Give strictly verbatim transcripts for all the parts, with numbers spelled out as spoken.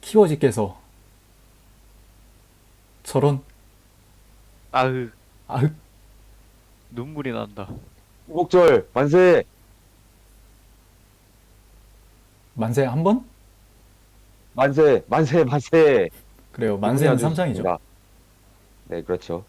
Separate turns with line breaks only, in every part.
히워지께서 저런.
아으,
아흑.
눈물이 난다.
목절 만세.
만세 한 번?
만세 만세 만세.
그래요.
기분이
만세는
아주
삼 장이죠.
좋습니다. 네, 그렇죠.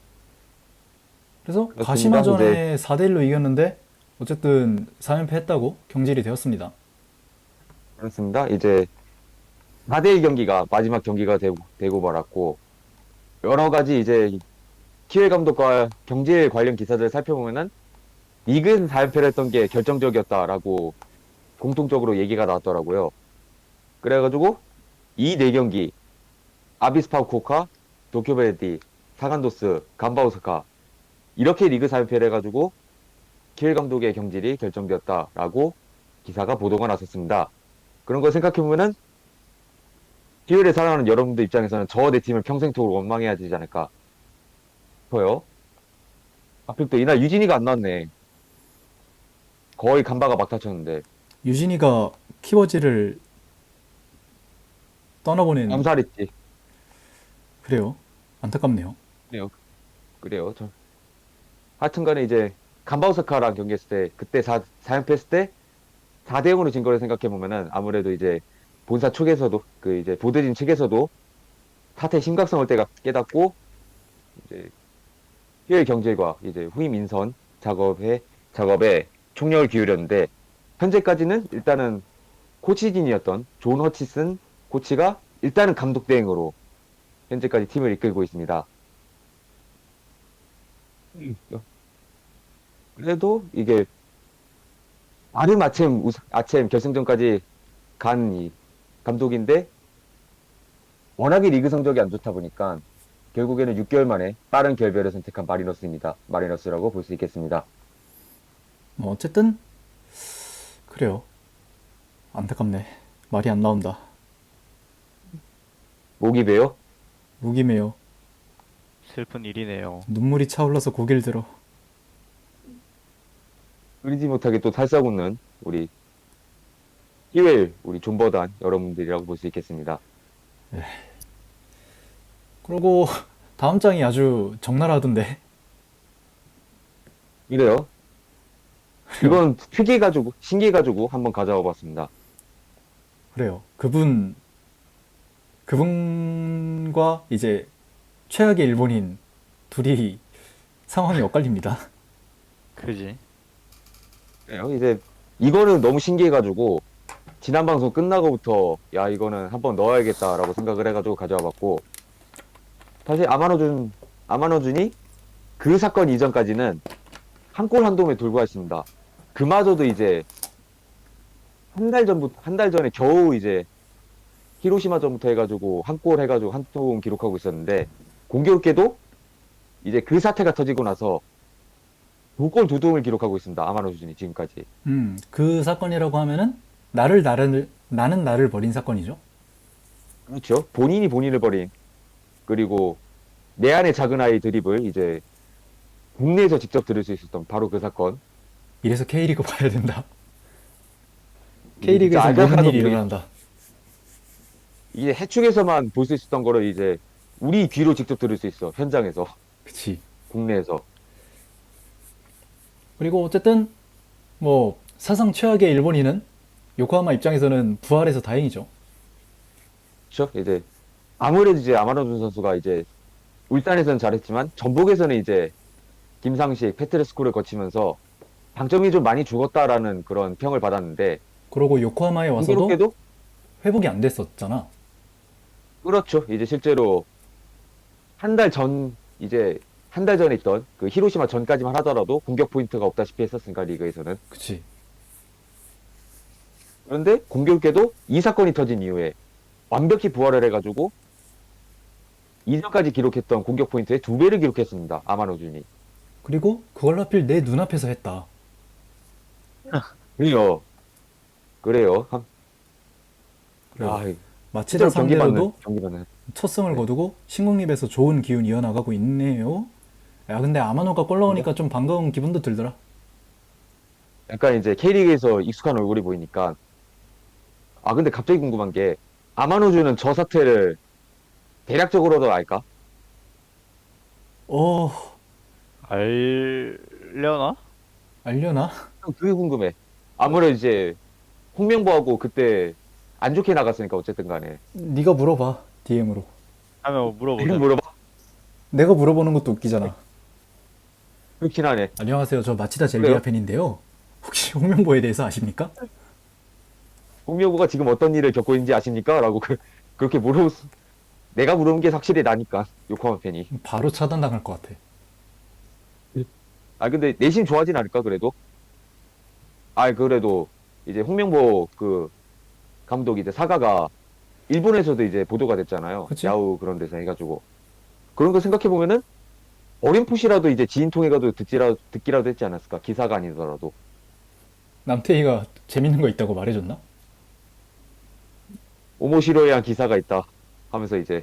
그래서
그렇습니다. 이제
가시마전에 사 대 일로 이겼는데 어쨌든 사 연패 했다고 경질이 되었습니다.
그렇습니다. 이제 사 대 일 경기가 마지막 경기가 되고, 되고 말았고, 여러 가지 이제 키웰 감독과 경질 관련 기사들을 살펴보면은 리그에서 사 연패를 했던 게 결정적이었다라고 공통적으로 얘기가 나왔더라고요. 그래가지고 이 네 경기 아비스파 후쿠오카, 도쿄베레디, 사간도스, 간바오사카 이렇게 리그 사 연패를 해가지고 키웰 감독의 경질이 결정되었다라고 기사가 보도가 났었습니다. 그런 걸 생각해보면은 키웰에 살아가는 여러분들 입장에서는 저 내 팀을 평생토록 원망해야 되지 않을까 싶어요. 하필 또 이날 유진이가 안 나왔네. 거의 간바가 막다쳤는데
유진이가 키워지를 떠나보낸.
암살했지.
그래요. 안타깝네요.
그래요. 그래요. 저 하여튼간에 이제 간바오사카랑 경기했을 때 그때 사, 사 연패 했을 때 사 대 영으로 진 거를 생각해 보면은 아무래도 이제 본사 측에서도 그 이제 보드진 측에서도 사태의 심각성을 때가 깨닫고 이제 피엘 경질과 이제 후임 인선 작업에 작업에 총력을 기울였는데 현재까지는 일단은 코치진이었던 존 허치슨 코치가 일단은 감독 대행으로 현재까지 팀을 이끌고 있습니다. 음. 그래도 이게 아름 아침 우승- 아침 결승전까지 간 이 감독인데 워낙에 리그 성적이 안 좋다 보니까 결국에는 육 개월 만에 빠른 결별을 선택한 마리너스입니다. 마리너스라고 볼 수 있겠습니다.
뭐 어쨌든 그래요. 안타깝네. 말이 안 나온다.
목이 베요?
무기매요.
슬픈 일이네요.
눈물이 차올라서 고개를 들어.
끓이지 못하게 또 살싸고는 우리 히웰 우리 존버단 여러분들이라고 볼 수 있겠습니다.
그리고 다음 장이 아주 적나라하던데.
이래요. 이번 특이 가지고 신기 가지고 한번 가져와 봤습니다.
그래요. 그분 그분과 이제 최악의 일본인 둘이 상황이 엇갈립니다.
그지?
그래요. 이제 이거는 너무 신기해가지고 지난 방송 끝나고부터 야 이거는 한번 넣어야겠다라고 생각을 해가지고 가져와 봤고 사실 아마노준 아마노준이 그 사건 이전까지는 한 골 한 도움에 돌고 있습니다. 그마저도 이제 한 달 전부터 한 달 전에 겨우 이제 히로시마전부터 해가지고 한 골 해가지고 한 도움 기록하고 있었는데 공교롭게도 이제 그 사태가 터지고 나서 두 골 두 도움을 기록하고 있습니다. 아마노준이 지금까지.
음, 그 사건이라고 하면은 나를 나를 나는 나를 버린 사건이죠.
그렇죠. 본인이 본인을 버린 그리고 내 안의 작은 아이 드립을 이제 국내에서 직접 들을 수 있었던 바로 그 사건.
이래서 K리그 봐야 된다.
이게 진짜
K리그에서
알까
모든
하나도
일이
모르겠-
일어난다.
이게 해축에서만 볼 수 있었던 거를 이제 우리 귀로 직접 들을 수 있어. 현장에서
그치.
국내에서.
그리고 어쨌든 뭐 사상 최악의 일본인은 요코하마 입장에서는 부활해서 다행이죠.
그렇죠. 이제 아무래도 이제 아마노준 선수가 이제 울산에서는 잘했지만 전북에서는 이제 김상식, 페트레스코를 거치면서 장점이 좀 많이 죽었다라는 그런 평을 받았는데
그러고 요코하마에 와서도
공교롭게도
회복이 안 됐었잖아.
그렇죠. 이제 실제로 한 달 전 이제 한 달 전에 있던 그 히로시마 전까지만 하더라도 공격 포인트가 없다시피 했었으니까 리그에서는.
그치.
그런데 공교롭게도 이 사건이 터진 이후에 완벽히 부활을 해가지고 이전까지 기록했던 공격 포인트의 두 배를 기록했습니다. 아마노준이.
그리고 그걸 하필 내 눈앞에서 했다.
그래요. 그래요. 한-
그래요.
아,
마치다
실제로 경기 받는
상대로도
경기 받는.
첫 승을
네.
거두고 신국립에서 좋은 기운 이어나가고 있네요. 야, 근데 아마노가 골 넣으니까 좀 반가운 기분도 들더라.
약간 이제 K리그에서 익숙한 얼굴이 보이니까 아 근데 갑자기 궁금한 게 아마노주는 저 사태를 대략적으로도 알까?
어,
알려나?
알려나?
그게 궁금해. 아무래도 이제 홍명보하고 그때 안 좋게 나갔으니까 어쨌든 간에.
네가 물어봐, 디엠으로.
하면 뭐 물어보자.
지금 물어봐.
내가 물어보는 것도 웃기잖아.
그렇긴 하네.
안녕하세요. 저 마치다 젤리아
그래요?
팬인데요. 혹시 홍명보에 대해서 아십니까?
홍명보가 지금 어떤 일을 겪고 있는지 아십니까? 라고 그, 그렇게 물어, 내가 물어본 게 확실히 나니까, 요코하마 팬이.
바로 차단당할 것 같아.
아, 근데 내심 좋아하진 않을까, 그래도? 아, 그래도, 이제 홍명보 그, 감독 이제 사가가, 일본에서도 이제 보도가 됐잖아요.
그치?
야후 그런 데서 해가지고. 그런 거 생각해보면은, 어렴풋이라도 이제 지인 통해가도 듣지라, 듣기라도 했지 않았을까? 기사가 아니더라도.
남태희가 재밌는 거 있다고 말해줬나?
오모시로에 한 기사가 있다. 하면서 이제,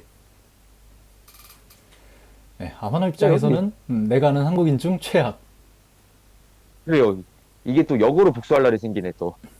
네, 아마노 입장에서는 음, 내가 아는 한국인 중 최악.
그래요. 이게 또 역으로 복수할 날이 생기네, 또.